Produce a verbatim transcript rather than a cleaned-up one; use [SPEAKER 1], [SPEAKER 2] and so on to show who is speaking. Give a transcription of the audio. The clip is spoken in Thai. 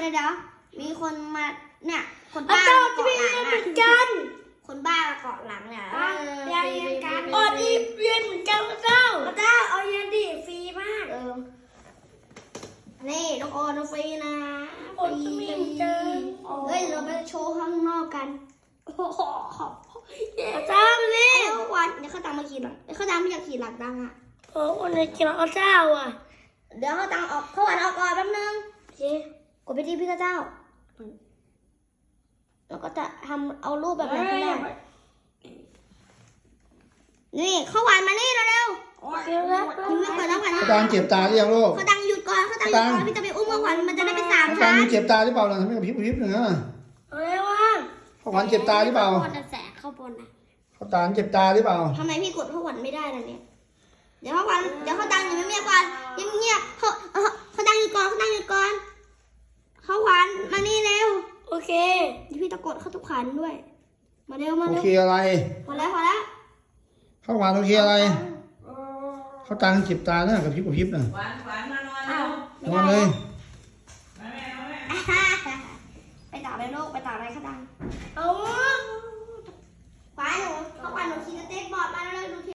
[SPEAKER 1] ยวเดี๋ยวมีคนมาเนี่ยคนบ้า
[SPEAKER 2] เจ้า
[SPEAKER 1] มา
[SPEAKER 2] จะ
[SPEAKER 1] เกาะ
[SPEAKER 2] มี
[SPEAKER 1] หลัง
[SPEAKER 2] เหมื
[SPEAKER 1] อ่ะ
[SPEAKER 2] อนกัน
[SPEAKER 1] คนบ้ามาเกาะหลังเนี่ย
[SPEAKER 2] เรียนเรียนกันอ๋อนี่เรียนเหมือนกันพระเจ้าพระเจ้าเอาเรียนดิฟรีมาก
[SPEAKER 1] เออนี่น้องออนน้องฟรีนะ
[SPEAKER 2] โอ้ยมีเหมือนกัน
[SPEAKER 1] เฮ้ยเราไปโชว์ข้างนอกกัน
[SPEAKER 2] โอ้โหพระเจ้านี่
[SPEAKER 1] เอ้าวันเดี๋ยวเขาตังมาขี่หลังเขาตังไม่อยากขี่หลังดังอ่ะ
[SPEAKER 2] โอ้คนในกินพระเจ้าอ่ะ
[SPEAKER 1] เดี๋ยวเขาตังออกเขาวันออกก่อนแป๊บนึง
[SPEAKER 2] โอเค
[SPEAKER 1] กดไปที่พี่เจ้าแล้วก็จะทำเอารูปแบบไหนก็ได้นี่เขาหวานมานี่เร็ว
[SPEAKER 2] โอเคแล้ว
[SPEAKER 1] ๆยิ้มไม่เปิดแล้วกัน
[SPEAKER 3] เขาตังเจ็บตาหรือยังลูก
[SPEAKER 1] เขาตังหยุดก่อนเขาตังหยุดก่อนพี่จะไปอุ้มเขาหวานมันจะได้เป็นสาม
[SPEAKER 3] เขาตั
[SPEAKER 1] ชั้
[SPEAKER 3] ง
[SPEAKER 1] น
[SPEAKER 3] เจ็บตาหรือเปล่าล่ะทำไมกระพริบกระพริบหนึ่งอ่ะ
[SPEAKER 2] อะไรวะ
[SPEAKER 3] เขาหวานเจ็บตาหรือเปล่า
[SPEAKER 2] คนแสกเข้าบนนะ
[SPEAKER 3] เขาตังเจ็บตาหรือเปล่า
[SPEAKER 1] ทำไมพี่กดเขาหวานไม่ได้ล่ะเนี่ยเดี๋ยวเขาหวานเดี๋ยวเขาตังอยู่เงียบๆก่อนเงียบๆเขาเขาตังหยุดก่อนเขาตังหยุดก่อนเขาหวานมานี่เร็ว
[SPEAKER 2] โอเค
[SPEAKER 1] เดี๋ยวพี่ตะกดเขาทุกขันด้วยมาเร็วมา
[SPEAKER 3] โอ
[SPEAKER 1] เร็ว
[SPEAKER 3] เคอะไร
[SPEAKER 1] พอแล้วพอแล้ว
[SPEAKER 3] เขาหวานโอเคอะไรเขาตังเจ็บตาเนี่ยกระพริบกระพริบน่ะ
[SPEAKER 4] หวานหวานมานอน
[SPEAKER 1] อ้าว
[SPEAKER 4] เร็ว
[SPEAKER 1] ไม่
[SPEAKER 3] นอน
[SPEAKER 1] ได้
[SPEAKER 3] เลย
[SPEAKER 4] มาแม่มาแม่
[SPEAKER 1] ไปต่อไปโลกไปต่อไปเขาดัง
[SPEAKER 2] เอา
[SPEAKER 1] ขวาหนูเขาขวาหนูขี่สเต็กบอร์ดมาแล้วเลยดู